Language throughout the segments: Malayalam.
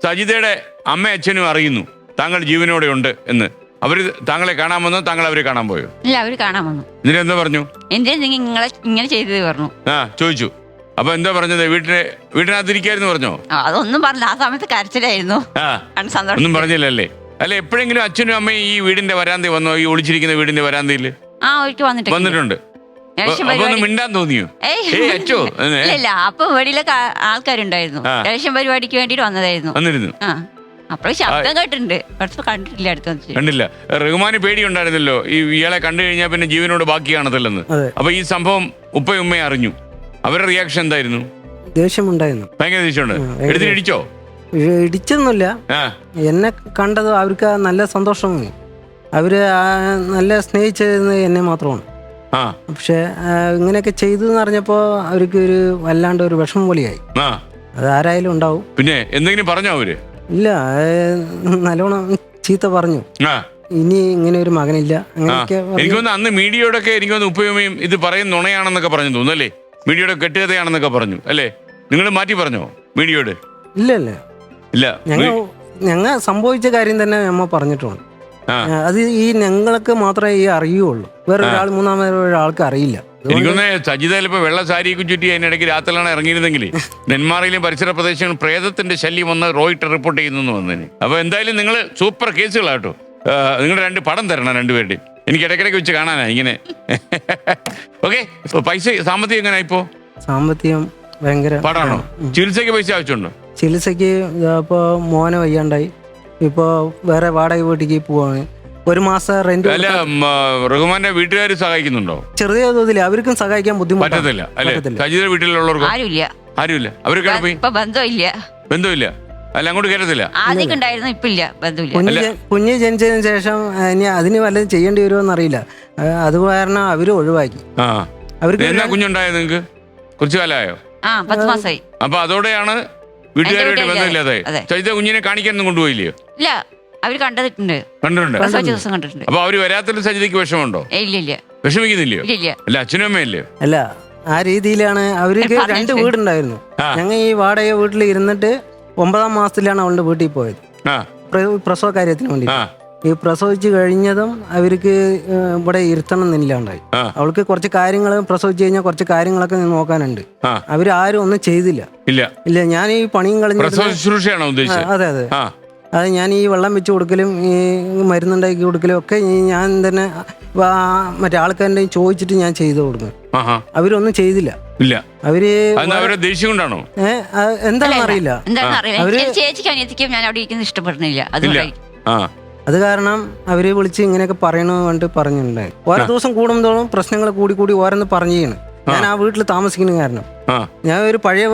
സജിതയുടെ അമ്മ അച്ഛനും അറിയുന്നു താങ്കൾ ജീവനോടെ ഉണ്ട് എന്ന്. അവര് താങ്കളെ കാണാൻ വന്നോ, താങ്കൾ അവരെ കാണാൻ പോയോ? ഇല്ല, അവര് കാണാൻ വന്നു. ഇതിനെന്താ പറഞ്ഞു? എന്റെ നിങ്ങളെ ഇങ്ങനെ ചെയ്തത് പറഞ്ഞു. ചോദിച്ചു. അപ്പൊ എന്താ പറഞ്ഞത്? വീട്ടിനകത്തിരിക്കായിരുന്നു പറഞ്ഞോ? അതൊന്നും പറഞ്ഞില്ല. ആ സമയത്ത് കരച്ചിലായിരുന്നു. ഒന്നും പറഞ്ഞില്ലല്ലേ? അല്ല, എപ്പോഴെങ്കിലും അച്ഛനും അമ്മയും ഈ വീടിന്റെ വരാന്തി വന്നോ? ഈ ഒളിച്ചിരിക്കുന്ന വീടിന്റെ വരാന്തിയിൽ വന്നിട്ടുണ്ട്. ഒന്ന് മിണ്ടാൻ തോന്നിയോ? അച്ഛോ ഇല്ല, അപ്പൊ വെളിയിലൊക്കെ ആൾക്കാരുണ്ടായിരുന്നു. ഇലക്ഷൻ പരിപാടിക്ക് വേണ്ടിട്ട് വന്നിരുന്നു. അപ്പോൾ ശബ്ദം കേട്ടിട്ടുണ്ട്, കണ്ടിട്ടില്ല. കണ്ടില്ല. റഹ്മാന് പേടിയുണ്ടായിരുന്നല്ലോ ഇയാളെ കണ്ടു കഴിഞ്ഞാൽ പിന്നെ ജീവനോട് ബാക്കി കാണത്തില്ലെന്ന്. അപ്പൊ ഈ സംഭവം ഉപ്പയും ഉമ്മയും അറിഞ്ഞു. അവരുടെ റിയാക്ഷൻ എന്തായിരുന്നു? ദേഷ്യമുണ്ടായിരുന്നു, ഭയങ്കര ദേഷ്യമുണ്ട്. എടുത്തിട്ട് ഇടിച്ചോ? ഇടിച്ചൊന്നുമില്ല. എന്നെ കണ്ടത് അവർക്ക് നല്ല സന്തോഷം. അവര് നല്ല സ്നേഹിച്ചത് എന്നെ മാത്രമാണ്. പക്ഷെ ഇങ്ങനെയൊക്കെ ചെയ്തു എന്ന് അറിഞ്ഞപ്പോ അവർക്ക് ഒരു വല്ലാണ്ട് ഒരു വിഷമം പോലെയായി. അത് ആരായാലും ഉണ്ടാവും. പിന്നെ എന്തെങ്കിലും പറഞ്ഞോ അവര്? ഇല്ല, നല്ലോണം ചീത്ത പറഞ്ഞു. ഇനി ഇങ്ങനെ ഒരു മകനില്ല. എനിക്കൊന്ന് അന്ന് മീഡിയയോടൊക്കെ എനിക്കൊന്ന് ഉപ്പയുമ്മയും ഇത് പറയുന്ന നുണയാണെന്നൊക്കെ പറഞ്ഞു തോന്നുന്നു അല്ലേ? മീഡിയയുടെ കെട്ടുകഥയാണെന്നൊക്കെ പറഞ്ഞു അല്ലേ? നിങ്ങൾ മാറ്റി പറഞ്ഞോ മീഡിയയോട്? ഇല്ല, ഞങ്ങൾ സംഭവിച്ച കാര്യം തന്നെ അമ്മ പറഞ്ഞിട്ടുണ്ട്. അത് ഈ ഞങ്ങൾക്ക് മാത്രമേ ഈ അറിയുള്ളൂ, വേറെ ഒരാൾ മൂന്നാമതൊരാൾക്ക് അറിയില്ല. എനിക്കൊന്ന് സജിത ചിലപ്പോ വെള്ള സാരിയൊക്കെ ചുറ്റി അതിനിടയ്ക്ക് രാത്രിയിലാണ് ഇറങ്ങിയിരുന്നെങ്കിൽ നെന്മാറയിലും പരിസര പ്രദേശങ്ങളിൽ പ്രേതത്തിന്റെ ശല്യം വന്ന് റോയിട്ടർ റിപ്പോർട്ട് ചെയ്യുന്നു വന്നതിന്. അപ്പൊ എന്തായാലും നിങ്ങൾ സൂപ്പർ കേസുകളാട്ടോ. നിങ്ങൾ 2 പടം തരണം രണ്ടുപേരുടെയും. എനിക്ക് ഇടയ്ക്കിടയ്ക്ക് വെച്ച് കാണാനാ ഇങ്ങനെ. ഓക്കെ, പൈസ സാമ്പത്തികം എങ്ങനെ? ഇപ്പോ സാമ്പത്തികം ഭയങ്കര പാടാണോ? ചികിത്സയ്ക്ക് പൈസ ആവശ്യമുണ്ടോ? ചികിത്സയ്ക്ക് ഇപ്പോ മോനെ വയ്യാണ്ടായി, ഇപ്പോ വേറെ വാടക വീട്ടിലേക്ക് പോവാണ്. ഒരു മാസം റെന്റ്. അല്ല, റഹ്മാന്റെ വീട്ടുകാർ സഹായിക്കുന്നുണ്ടോ? ചെറിയ തോതിൽ അവർക്കും സഹായിക്കാൻ ബുദ്ധിമുട്ടില്ല അല്ലെ? സജിതയുടെ വീട്ടിലുള്ളവർക്കും ആരുമില്ല. അവരൊക്കെ ബന്ധമില്ല. അല്ല, അങ്ങോട്ട് കയറത്തില്ല. കുഞ്ഞ് ജനിച്ചതിന് ശേഷം ഇനി അതിന് വല്ലതും ചെയ്യേണ്ടി വരുമോ അറിയില്ല. അത് കാരണം അവര് ഒഴിവാക്കി. അവർക്ക് എന്നാ കുഞ്ഞുണ്ടായത്? നിങ്ങൾക്ക് കുറച്ചു കാലമായോ? 10 മാസമായി. അപ്പൊ അതോടെയാണ് വീട്ടുകാരുമായിട്ട് ബന്ധമില്ലാതെ. സജിത കുഞ്ഞിനെ കാണിക്കാനൊന്നും കൊണ്ടുപോയില്ലയോ? ഇല്ല, അവര് കണ്ടിട്ടുണ്ട്. അപ്പൊ അവര് വരാത്തൊരു സജിതയ്ക്ക് വിഷമമുണ്ടോ? ഇല്ല. വിഷമിക്കുന്നില്ലയോ? അല്ല, അച്ഛനും അമ്മയല്ലേ? അല്ല, ആ രീതിയിലാണ്. അവർക്ക് 2 വീടുണ്ടായിരുന്നു. ഞങ്ങൾ ഈ വാടക വീട്ടിൽ ഇരുന്നിട്ട് 9ാം മാസത്തിലാണ് അവളുടെ വീട്ടിൽ പോയത്, പ്രസവ കാര്യത്തിന് വേണ്ടി. ഈ പ്രസവിച്ച് കഴിഞ്ഞതും അവർക്ക് ഇവിടെ ഇരുത്തണം എന്നില്ലാണ്ടായി. അവൾക്ക് കുറച്ച് കാര്യങ്ങൾ പ്രസവിച്ച് കഴിഞ്ഞാൽ കുറച്ച് കാര്യങ്ങളൊക്കെ നോക്കാനുണ്ട്. അവരാരും ഒന്നും ചെയ്തില്ല. ഇല്ല, ഞാൻ ഈ പണിയും കളഞ്ഞു. അതെ. അത് ഞാൻ ഈ വെള്ളം വെച്ച് കൊടുക്കലും ഈ മരുന്നുണ്ടാക്കി കൊടുക്കലും ഒക്കെ ഞാൻ തന്നെ മറ്റേ ആൾക്കാരുടെ ചോദിച്ചിട്ട് ഞാൻ ചെയ്തു കൊടുക്കും. അവരൊന്നും ചെയ്തില്ല. അവര് എന്താണെന്ന് അറിയില്ല. അത് കാരണം അവര് വിളിച്ച് ഇങ്ങനെയൊക്കെ പറയണമെന്ന് പറഞ്ഞിട്ടുണ്ടായി. ഓരോ ദിവസം കൂടുമ്പോഴും പ്രശ്നങ്ങൾ കൂടി ഓരോന്ന് പറഞ്ഞു ചെയ്യണം. ഞാൻ ആ വീട്ടിൽ താമസിക്കുന്ന കാരണം ഞാൻ ഒരു പഴയ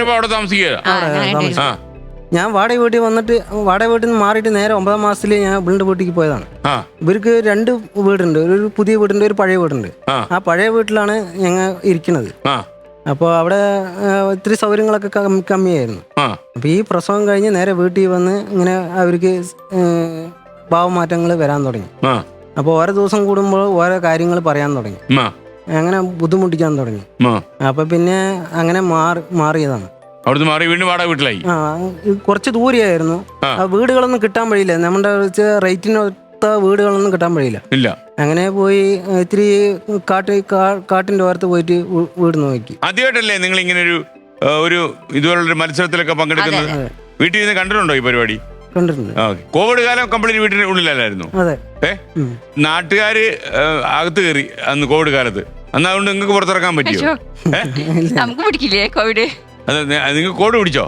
ഞാൻ വാടക വീട്ടിൽ വന്നിട്ട് വാടക വീട്ടിൽ നിന്ന് മാറിയിട്ട് നേരെ 9ാം മാസത്തിൽ ഞാൻ ഇവളുടെ വീട്ടിലേക്ക് പോയതാണ്. ഇവർക്ക് 2 വീടുണ്ട്, ഒരു പുതിയ വീടുണ്ട്, ഒരു പഴയ വീടുണ്ട്. ആ പഴയ വീട്ടിലാണ് ഞങ്ങൾ ഇരിക്കുന്നത്. അപ്പോൾ അവിടെ ഇത്തിരി സൗകര്യങ്ങളൊക്കെ കമ്മിയായിരുന്നു. അപ്പോൾ ഈ പ്രസവം കഴിഞ്ഞ് നേരെ വീട്ടിൽ വന്ന് ഇങ്ങനെ അവർക്ക് ഭാവമാറ്റങ്ങൾ വരാൻ തുടങ്ങി. അപ്പോൾ ഓരോ ദിവസം കൂടുമ്പോൾ ഓരോ കാര്യങ്ങൾ പറയാൻ തുടങ്ങി, അങ്ങനെ ബുദ്ധിമുട്ടിക്കാൻ തുടങ്ങി. അപ്പോൾ പിന്നെ അങ്ങനെ മാറിയതാണ്. അവിടുന്ന് മാറി വീണ്ടും വാടക വീട്ടിലായി. കുറച്ച് ദൂരെയായിരുന്നു. വീടുകളൊന്നും കിട്ടാൻ വഴിയില്ല, നമ്മുടെ റേറ്റിനൊത്ത വീടുകളൊന്നും കിട്ടാൻ വഴിയില്ല. അങ്ങനെ പോയി ഇത്തിരി കാട്ടിന്റെ ഓരത്ത് പോയിട്ട് വീട് നോക്കി. ആദ്യമായിട്ടല്ലേ നിങ്ങൾ ഇങ്ങനെ ഒരു ഇതുപോലുള്ള മത്സരത്തിലൊക്കെ പങ്കെടുക്കുന്നത്? വീട്ടിൽ നിന്ന് കണ്ടിട്ടുണ്ടോ ഈ പരിപാടി? കണ്ടിട്ടുണ്ട്. കോവിഡ് കാലം കംപ്ലീറ്റ് വീട്ടിന് ഉള്ളിലല്ലായിരുന്നു? നാട്ടുകാര് അകത്ത് കയറി അന്ന് കോവിഡ് കാലത്ത്. അന്ന് അതുകൊണ്ട് നിങ്ങൾക്ക് പുറത്തിറക്കാൻ പറ്റിയോ? നമുക്ക് പിടിക്കില്ലേ കോവിഡ്? നിങ്ങൾ കോഡ് പിടിച്ചോ?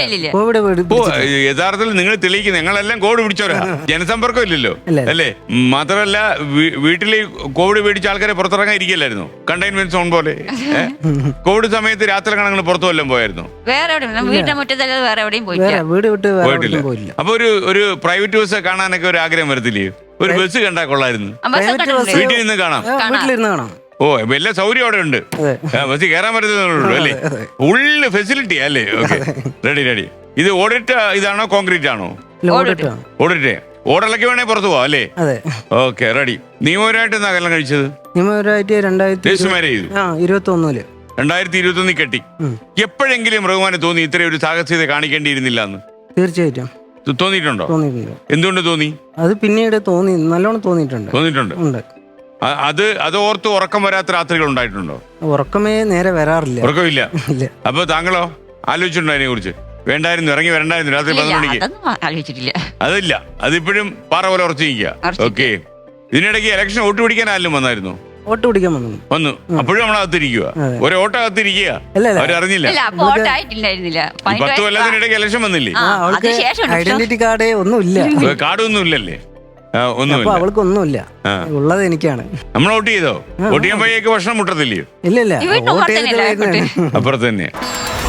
ഇല്ല, യഥാർത്ഥത്തിൽ നിങ്ങൾ തെളിയിക്കുന്നത് ഞങ്ങളെല്ലാം കോഡ് പിടിച്ചോരാ. ജനസമ്പർക്കം ഇല്ലല്ലോ അല്ലേ? മാത്രമല്ല വീട്ടില് കോവിഡ് പേടിച്ച ആൾക്കാരെ പുറത്തിറങ്ങാൻ ഇരിക്കില്ലായിരുന്നു, കണ്ടെയ്ൻമെന്റ് സോൺ പോലെ. കോവിഡ് സമയത്ത് രാത്രി കണങ്ങൾ പുറത്തു വല്ലതും പോയായിരുന്നു? പോയിട്ടില്ല. അപ്പൊ ഒരു പ്രൈവറ്റ് ബസ് കാണാനൊക്കെ ഒരു ആഗ്രഹം വരത്തില്ലേ? ഒരു ബസ് കണ്ടാ കൊള്ളായിരുന്നു, വീട്ടിൽ നിന്ന് കാണാം. ഓ, എല്ലാ സൗകര്യം അവിടെ ഉണ്ട്, ബസ്സിൽ കയറാൻ പറ്റുന്നുള്ളൂ അല്ലേ? ഫുള്ള് ഫെസിലിറ്റി അല്ലേ? Okay, ready. ഇത് ഓടിട്ട ഇതാണോ കോൺക്രീറ്റ് ആണോ? ഓടിട്ടേ. ഓടലൊക്കെ വേണേ പുറത്തു പോവാ അല്ലേ? Okay, ready. നിയമപരമായിട്ട് എന്നാ കല്യാണം കഴിച്ചത്? നിയമപരമായിട്ട് 2021 കെട്ടി. എപ്പോഴെങ്കിലും റഹ്മാന് തോന്നി ഇത്രയും ഒരു സാഹസികത കാണിക്കേണ്ടിയിരുന്നില്ല എന്ന്? തീർച്ചയായിട്ടും തോന്നിയിട്ടുണ്ടോ? തോന്നിയിട്ടുണ്ട്. എന്തുകൊണ്ട് തോന്നി? അത് പിന്നീട് നല്ലോണം തോന്നിയിട്ടുണ്ട്. ഉണ്ട്. അത് ഓർത്ത് ഉറക്കം വരാത്ത രാത്രികൾ ഉണ്ടായിട്ടുണ്ടോ? ഉറക്കമേ നേരെ വരാറില്ല. ഉറക്കമില്ല. അപ്പൊ താങ്കളോ ആലോചിച്ചിട്ടുണ്ടോ അതിനെ കുറിച്ച്? വേണ്ടായിരുന്നു, ഇറങ്ങി വരണ്ടായിരുന്നു രാത്രി 11 മണിക്ക്? ആലോചിച്ചിട്ടില്ല. അതില്ല, അതിപ്പോഴും പാറ പോലെ ഉറച്ചിരിക്കുക. ഓക്കെ. ഇതിനിടയ്ക്ക് ഇലക്ഷൻ വോട്ട് പിടിക്കാൻ ആരും വന്നായിരുന്നു? വോട്ട് പിടിക്കാൻ വന്നു. അപ്പോഴും നമ്മളകത്തിരിക്കുക, ഒരു ഓട്ടോ അകത്തിരിക്കുക, അവരറിഞ്ഞില്ല. 10 കൊല്ലത്തിനിടയ്ക്ക് ഇലക്ഷൻ വന്നില്ലേ? ഐഡന്റിറ്റി കാർഡ് ഒന്നുമില്ല. കാർഡൊന്നും ഇല്ലല്ലേ? ഒന്നുമില്ല. അവൾക്ക് ഒന്നുമില്ല, ഉള്ളത് എനിക്കാണ്. നമ്മൾ വോട്ട് ചെയ്തോ? വോട്ട് ചെയ്യാൻ പോയേക്ക് ഭക്ഷണം മുട്ടത്തില്ലയോ? ഇല്ല, വോട്ട് ചെയ്തിട്ട് അപ്പുറത്ത് തന്നെ.